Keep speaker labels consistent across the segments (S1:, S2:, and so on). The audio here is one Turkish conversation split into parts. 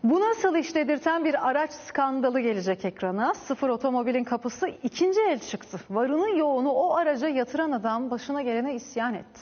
S1: Bu nasıl iş dedirten bir araç skandalı gelecek ekrana. Sıfır otomobilin kapısı ikinci el çıktı. Varını yoğunu o araca yatıran adam başına gelene isyan etti.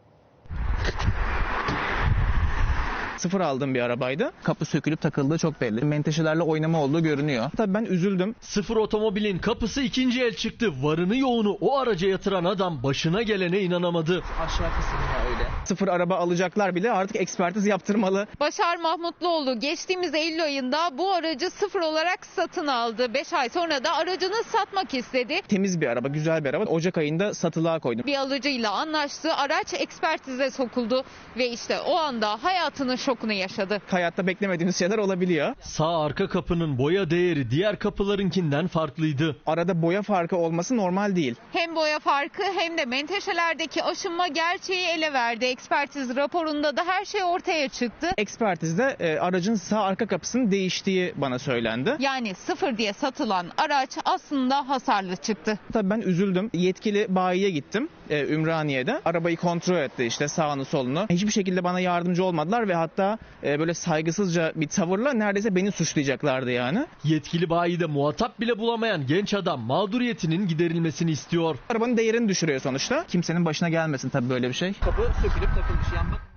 S2: Sıfır aldığım bir arabaydı. Kapı sökülüp takıldığı çok belli. Menteşelerle oynama olduğu görünüyor. Tabii ben üzüldüm.
S3: Sıfır otomobilin kapısı ikinci el çıktı. Varını yoğunu o araca yatıran adam başına gelene inanamadı.
S2: Aşağı kısmında öyle. Sıfır araba alacaklar bile artık ekspertiz yaptırmalı.
S4: Başar Mahmutluoğlu geçtiğimiz Eylül ayında bu aracı sıfır olarak satın aldı. 5 ay sonra da aracını satmak istedi.
S2: Temiz bir araba, güzel bir araba. Ocak ayında satılığa koydum.
S4: Bir alıcıyla anlaştı. Araç ekspertize sokuldu ve işte o anda hayatının şokunu yaşadı.
S2: Hayatta beklemediğimiz şeyler olabiliyor.
S3: Sağ arka kapının boya değeri diğer kapılarınkinden farklıydı.
S2: Arada boya farkı olması normal değil.
S4: Hem boya farkı hem de menteşelerdeki aşınma gerçeği ele verdi. Ekspertiz raporunda da her şey ortaya çıktı.
S2: Ekspertizde aracın sağ arka kapısının değiştiği bana söylendi.
S4: Yani sıfır diye satılan araç aslında hasarlı çıktı.
S2: Tabii ben üzüldüm. Yetkili bayiye gittim Ümraniye'de. Arabayı kontrol etti işte sağını solunu. Hiçbir şekilde bana yardımcı olmadılar ve hatta böyle saygısızca bir tavırla neredeyse beni suçlayacaklardı yani.
S3: Yetkili bayide muhatap bile bulamayan genç adam mağduriyetinin giderilmesini istiyor.
S2: Arabanın değerini düşürüyor sonuçta. Kimsenin başına gelmesin tabii böyle bir şey. Kapı sökülüp takılmış yan bak.